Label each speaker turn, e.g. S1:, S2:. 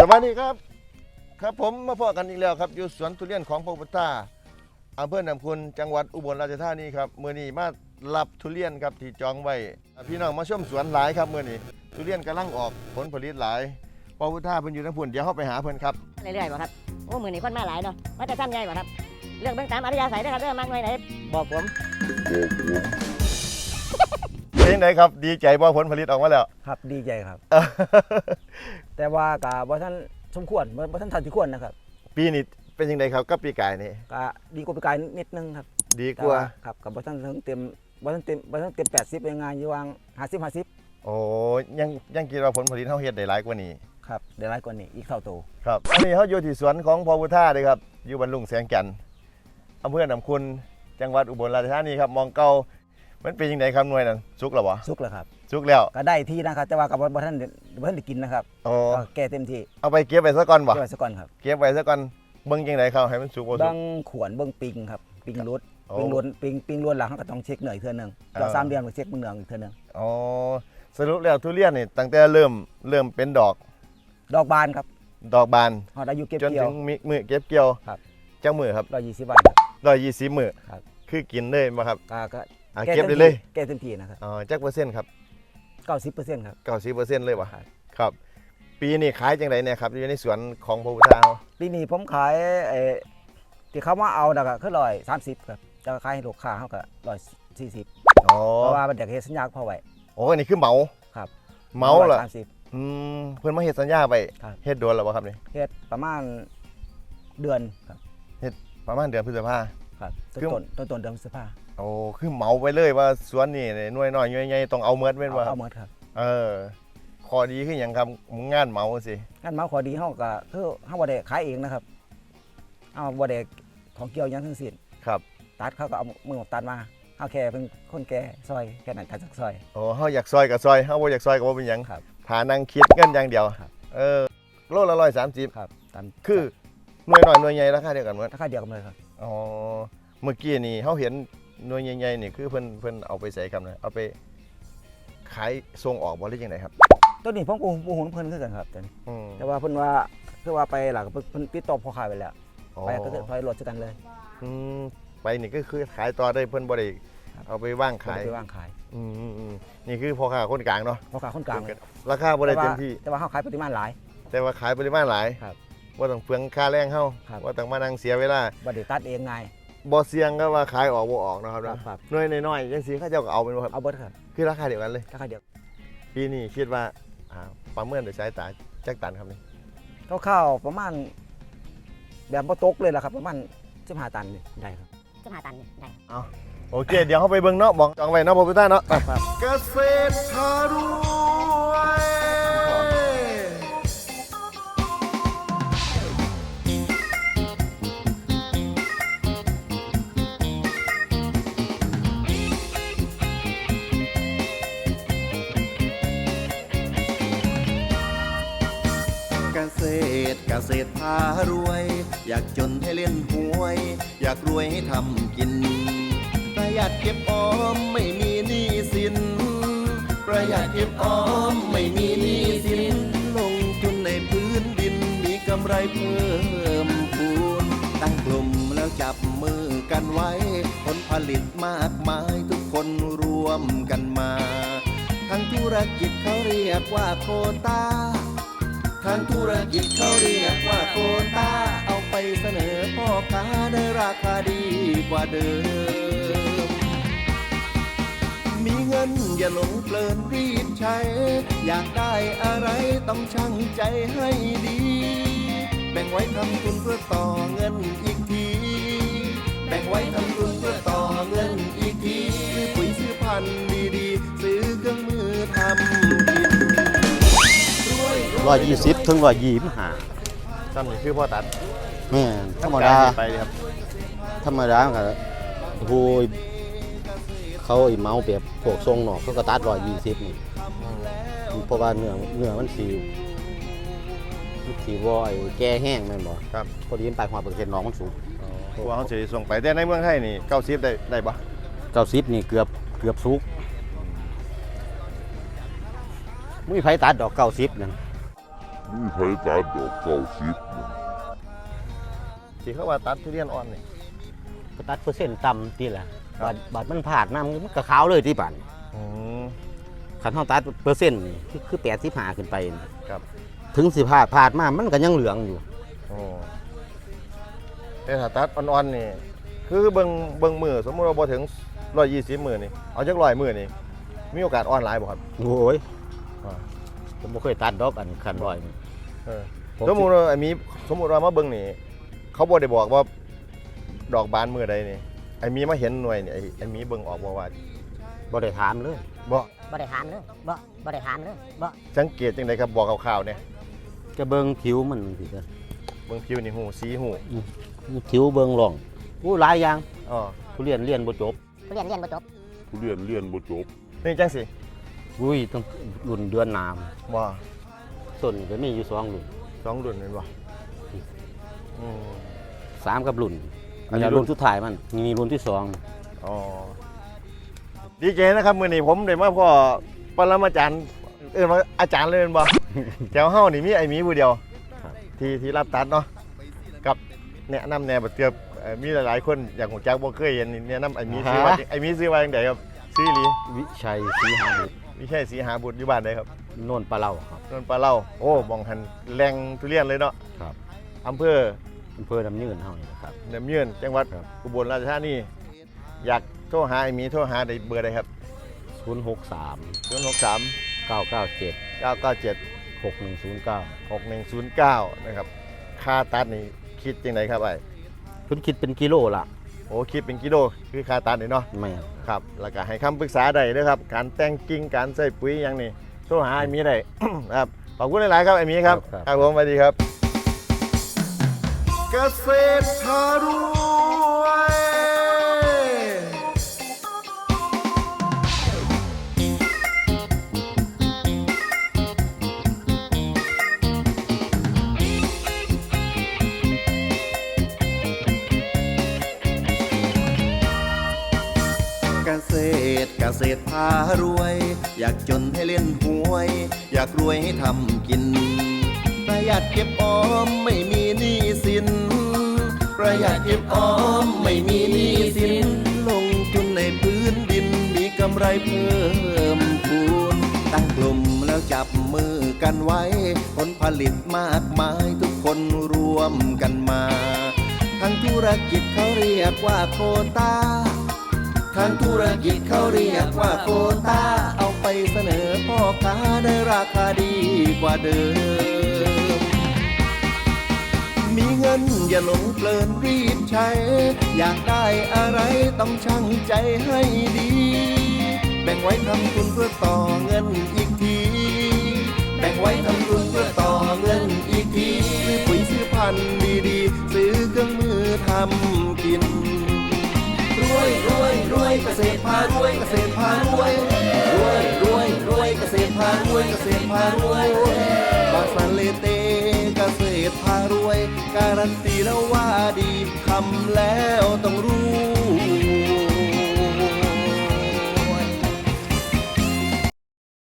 S1: วัสดีครับครับผมมาพบกันอีกแล้วครับอยู่สวนทุเรียนของพระพุทธาอำเภอหนำคุณจังหวัดอุบลราชธานีครับมื้อนี้มารับทุเรียนครับที่จองไว้พี่น้องมาชมสวนหลายครับมื้อนี้ทุเรียนกำลังออกผลผลิตหลายพระพุทธาเพิ่นอยู่ทั้งพุ่นเดี๋ยวเข้าไปหาเพิ่นครับ
S2: เรื่อยๆบ่ครับโอ้มือนี้คนมาหลายเนาะมาจะซ้ำใหญ่บ่ครับเรื่องเบิ่งตามอริยสัยนะครับเรื่องมากหน่อยไหนบอกผม
S1: เป็นจังไดครับดีใจบ่ผลผลิตออกมาแล้ว
S3: ครับดีใจครับ แต่ว่ากับว่าท่านสมควรว่าท่านทันที่ควรนะครับ
S1: ปีนี้เป็นจังไดครับกับปีกายนี่
S3: ก็ดีกว่าปีกายนิดนึงครับ
S1: ดีกว่า
S3: ครับกับว่าท่านเต็ม80ยังไงอยู่วาง50
S1: โอ้ยังคิดว่าผลผลิตเฮาเฮ็ดได้หลายกว่านี้
S3: ครับได้หลายกว่านี้อีกเท่าโต
S1: ครับอันนี้เฮาอยู่ที่สวนของพระพุทธาเลยครับอยู่บรรลุงแสงจันทร์อำเภอหนำคุณจังหวัดอุบลราชธานีครับมองเก่ามันเป็นยังไงครับหน่วยนั้นสุกแล้วบ่
S3: สุกแล้วครับ
S1: สุกแล้ว
S3: ก็ได้ที่นะครับแต่ว่ากับว่าท่านได้กินนะครับ
S1: โอ้
S3: ก็แก่เต็มที่
S1: เอาไปเก็บไว้ซะก่อนบ่
S3: เก็บไว้ซะก่อนครับ
S1: เก็บไว้ซะก่อนเบิ่งจังไดครับให้มันสุกบ่สุ
S3: เบิ้
S1: ก
S3: งขวนเบิ้งปิงครับปิงรุด
S1: โอ้
S3: ปิงล้วนหลังเขาก็ต้องเช็คเหนื่อยเทื่อนึงต่อ3 เดือนก็เช็คมือเหนืองอีกเทื่อนึง
S1: อ๋อสรุปแล้วทุเรียนนี่ตั้งแต่เริ่มเป็นดอก
S3: ดอกบานครับ
S1: ดอกบาน
S3: เฮาได้อยู่เก็บ
S1: จน
S3: เกี่ย
S1: ถึ
S3: ว
S1: งมื้อเก็บเกี่ยว
S3: ครับ
S1: จังมื้อครับ
S3: 120 บาทครับ
S1: 120มื้อ
S3: ครับ
S1: คือกินเลยบ่ครับ
S3: ก็
S1: เก็บได้เลย
S3: แก่เต็มที่นะครับ
S1: อ๋อจักเปอร์เซ็นต์ครับ
S3: 90%ครับ
S1: 90%เลยบ่
S3: ครับ
S1: ครับปีนี้ขายจังไดเนี่ยครับอยู่ในสวนของพระพุทธาเฮา
S3: ปีนี้ผมขายที่เขามาเอาน่ะก็คือ130ครับจะขายให้ลูกค้าเขาก็140
S1: อ๋อ
S3: เพราะว่ามันอยากเฮ็ดสัญญาพอไว้
S1: โอ้อันนี้คือเหมา
S3: ครับ
S1: เหมาเหรอ
S3: 130
S1: เพิ่นมาเฮ็ดสัญญาไป
S3: ครับ
S1: เฮ็ดโดนแล้วบ่ครับนี่
S3: เฮ็ดประมาณเดือนครับ
S1: ประมาณเดือนพฤษภา
S3: ครับ
S1: คือ
S3: ต้นเดือนพฤษภา
S1: โอ้คือเหมาไปเลยว่าสวนนี่หน่วยน้อยหน่วยใหญ่ต้องเอาเมิดแม่นบ่ครั
S3: เอา
S1: บ
S3: หมดครับ
S1: ข้อดีคือหยังครับงานเหมาสิ
S3: งั้นมาขอดีเฮาก็คือเฮาบ่ได้ขายเองนะครับเอาบ่ได้ของเกี่ยวหยังทั้งสิ้น
S1: ครับ
S3: ตัดเขาก็เอามือตัดมาเฮาแค่เป็นคนแก่ซอยแค่นั้นตัดจากซอย
S1: โอ้เฮาอยากซอยก็ซอยเฮาบ่อยากซอยก็บ่เป็นหยัง
S3: ครับ
S1: ถ้านั่งคิดเงินอย่างเดียว
S3: ครับ
S1: โลละ130
S3: ครับตาม
S1: คือหน่วยน้อยหน่วยใหญ่ราคาเดียวกันหมด
S3: ราคาเดียวกันเลยครับ
S1: อ๋อเมื่อกี้นี่เฮาเห็นหน่วยใหญ่ๆนี่คือเพิ่นเอาไปใส่ครับนะเอาไปขายส่งออกบ่หรือจังไดครับ
S3: ตัวนี้ผมก็บ่ฮู้เพิ่นคือกันครับตัวนี้
S1: อืม
S3: แต่ว่าเพิ่นว่าคือว่าไปหลักเพิ่นติดต่อพ่อค้าไปแล้ว
S1: อ๋อ
S3: ไปก็คือไปรถด้วยกันเลย
S1: อืมไปนี่ก็คือขายต่อได้เพิ่นบ่ได้
S3: ครับ
S1: เอาไปว่างขาย
S3: ไปวางขาย
S1: นี่คือพ่อค้าคนกลางเนาะ
S3: พ่อค้าคนกลางเลย
S1: ราคาบ่ได้เต็มที่
S3: แต่ว่าเฮาขายปริมาณหลาย
S1: แต่ว่าขายปริมาณหลาย
S3: ครับ
S1: ว่าต้องเปลืองค่าแรงเฮา
S3: ครับ
S1: ว่าต้องมานั่งเสียเวลา
S3: บ่ได้ตัดเองไง
S1: บ่เสี่ยงก็ว่าขายออกบ่ออกเนาะครับนะครับ หน่วยน้อยๆจังซี่เขาเจ้าก็เอาเป็นบ่ครับ
S3: เอาเบิดครับ
S1: คือราคาเดียวกันเลย
S3: ราคาเดียว
S1: ปีนี้คิดว่าประเมินโดยสายตาจักตันครับนี่
S3: คร่าวๆประมาณแบบบ่ตกเลยล่ะครับประมาณ15 ตันนี่ได้ครับ
S2: จะมาตันได้
S1: โอเค เดี๋ยวเฮาไปเบิ่งเนาะบอกจองไว้เนาะพ่อพุทธาเนาะ
S3: ครับ
S1: เกษตรพารวยเกษตรพารวย อยากจนให้เล่นหวย อยากรวยให้ทำกิน ประหยัดเก็บออมไม่มีหนี้สิน ประหยัดเก็บออมไม่มีหนี้สิน ลงทุนในพื้นดินมีกำไรเพิ่มพูนตั้งกลุ่มแล้วจับมือกันไว้ ผลผลิตมากมายทุกคนรวมกันมาทางธุรกิจเขาเรียกว่าโควต้าทางธุรกิจเขาเรียกว่าโควต้าเอาไปเสนอพ่อค้าได้ราคาดีกว่าเดิมมีเงินอย่าหลงเพลินรีบใช้อยากได้อะไรต้องชั่งใจให้ดีแบ่งไว้ทำทุนเพื่อต่อเงินอีกทีแบ่งไว้ทำทุนเพื่อต่อเงินอีกทีซื้อปุ๋ยซื้อพันธุ์ดีๆซื้อเครื่องมือทำกิน
S4: 120 ถึง 125
S1: ซ้ำนี่คือพ่อตัด
S4: แม่นธรรมดา
S1: ไปเลยครับ
S4: ธรรมดาก็โอ้ยเขาไอ้เมาแบบพวกทรงนอกเขาก็ตัด120นี่เพราะว่าเนื้อมันสิบ่ไอ้แก่แห้งแม่นบ่
S1: ครับ
S4: พอดีมันไปความเปอร์เซ็นต์น้องมันสูง
S1: กลัวเขาจะส่งไปแต่ในเมืองไทยนี่90ได้ปะ
S4: 90นี่เกือบสุกบ่มีไผตัดดอก90นั่น
S5: มีไผตัดดอกเก้าสิบนะ
S1: ที่เขาว่าตัดทุเรียนอ่อนนี่
S4: ก็ตัดเปอร์เซ็นต์ต่ำทีละ
S1: ครับ
S4: บาดมันผ่านน้ำมันก็ขาวเลยที่บ้าน
S1: อืม
S4: คันเฮาตัดเปอร์เซ็นต์นี่คือ85ขึ้นไปนี่
S1: ครับ
S4: ถึงสิผ่านมามันก็ยังเหลืองอยู่
S1: โอ้แต่ถ้าตัดอ่อนๆนี่คือเบิ่งมือสมมุติว่าบ่ถึง120มื้อนี่เอาจัก100มื้อนี่มีโอกาสอ่อนหลายบ่ครับ
S4: โอ้ย
S1: อ่า
S4: ผมบ่เคยตัดดอกอันคันร้อยนี่
S1: เออสมมุติว่าสมมุติว่ามาเบิ่งนี่เขาบ่ได้บอกว่าดอกบานมื้อใดนี่ไอ้มีมาเห็นหน่วยนี่ไอ้มีเบิ่งออกบ่ว่า
S4: บ่ได้ถามเลย
S1: บ่
S2: บ่ได้ถามเลยบ่ได้ถามเลยบ่
S1: สังเกตจังไดครับบอกคร่าวๆเนี่ย
S4: จะเบิ่งผิวมันสิจ้ะ
S1: เบิ่งผิวนี่หูสีหู
S4: ผิวเบิ่งร่องอู้หลายอย่าง
S1: อ๋อ
S4: ทุเรียนเรียนบ่จบ
S2: เรียนบ่จบ
S5: ทุเรียนเรียนบ่จบ
S1: นี่จังสิ
S4: อุ้ยต้องรุ่นเดือนหน้า
S1: บ่
S4: ต้นก็มีอยู่2รุ่น
S1: 2รุ่นแม่นบ่อืม
S4: 3กับรุ่น
S1: อั
S4: อั
S1: น
S4: น
S1: นี้
S4: นี้
S1: รุ่
S4: รุ่
S1: น
S4: นสุดท้ายมันมีรุ่นที่
S1: อ๋อดีเจนะครับมื้อนี้ผมได้มาพ่อปรมาจารย์ว่าอาจารย์เลยแม่นบ่ แถวเฮานี่มีไอ้หมีผู้เดียวที่รับตัดเนาะกับแนะนำแนวบัดเตือบมีหลายๆคนอยากฮู้จักบ่เคยเห็นนี่แนะนำไอ้หมีซื้อว่าไอ้หมีซื้อว่าจังไดครับซื้ออีหลี
S4: 2วิชัยศรีหาบุตร
S1: วิชัยศรีหาบุตรอยู่บ้านใดครับ
S4: โน่นปลาเล่าครับ
S1: นนปลาเล่าโอ้มองหันแหล่งทุเรียนเลยเนาะ
S4: ครับ
S1: อำเภอ
S4: อำเภอดำเนินเฮานี่แหละครับ
S1: เนิมเยือนจังหวัด
S4: ครับ
S1: อุบลราชธานีอยากโทรหาไอ้หมีโทรหาได้เบอร์ใดครับ
S4: 063
S1: 063
S4: 997
S1: 997
S4: 6109
S1: 6109นะครับค่าตัดนี่คิดจังไดครับไอ้
S4: เพิ่นคิดเป็นกิโลละ
S1: โอ้คิดเป็นกิโลคือค่าตัดนี่เนาะ
S4: แม่น
S1: ครับแล้วก็ให้คำปรึกษาได้เด้อครับการแต่งกิ่งการใส่ปุ๋ยอย่างนี้โทรหาไอ้หมีได้ ครับขอบคุณหลายๆครับไอ้หมีครับครับผมสวัสดีครับเกษตรพารวย เกษตรพารวย อยากจนให้เล่นหวย อยากรวยให้ทำกิน ประหยัดเก็บออมไม่มีหนี้สิน ประหยัดเก็บออมไม่มีหนี้สิน ลงทุนในพื้นดินมีกำไรเพิ่มพูนตั้งกลุ่มแล้วจับมือกันไว้ ผลผลิตมากมายทุกคนรวมกันมาทางธุรกิจเขาเรียกว่าโควต้า ทางธุรกิจเขาเรียกว่าโควต้า เอาไปเสนอพ่อค้าได้ราคาดีกว่าเดิม มีเงินอย่าหลงเพลินรีบใช้ อยากได้อะไรต้องชั่งใจให้ดี แบ่งไว้ทำทุนเพื่อต่อเงินอีกที แบ่งไว้ทำทุนเพื่อต่อเงินอีกทีซื้อปุ๋ยซื้อพันธุ์ดีๆซื้อเครื่องมือทำกิน รวยรวยรวยเกษตรพารวยเกษตรพารวยรวยรวยรวยเกษตรพารวยเกษตรพารวยบาสันเลเตเกษตรพารวยการันตีแล้วว่าดีทำแล้วต้องรวย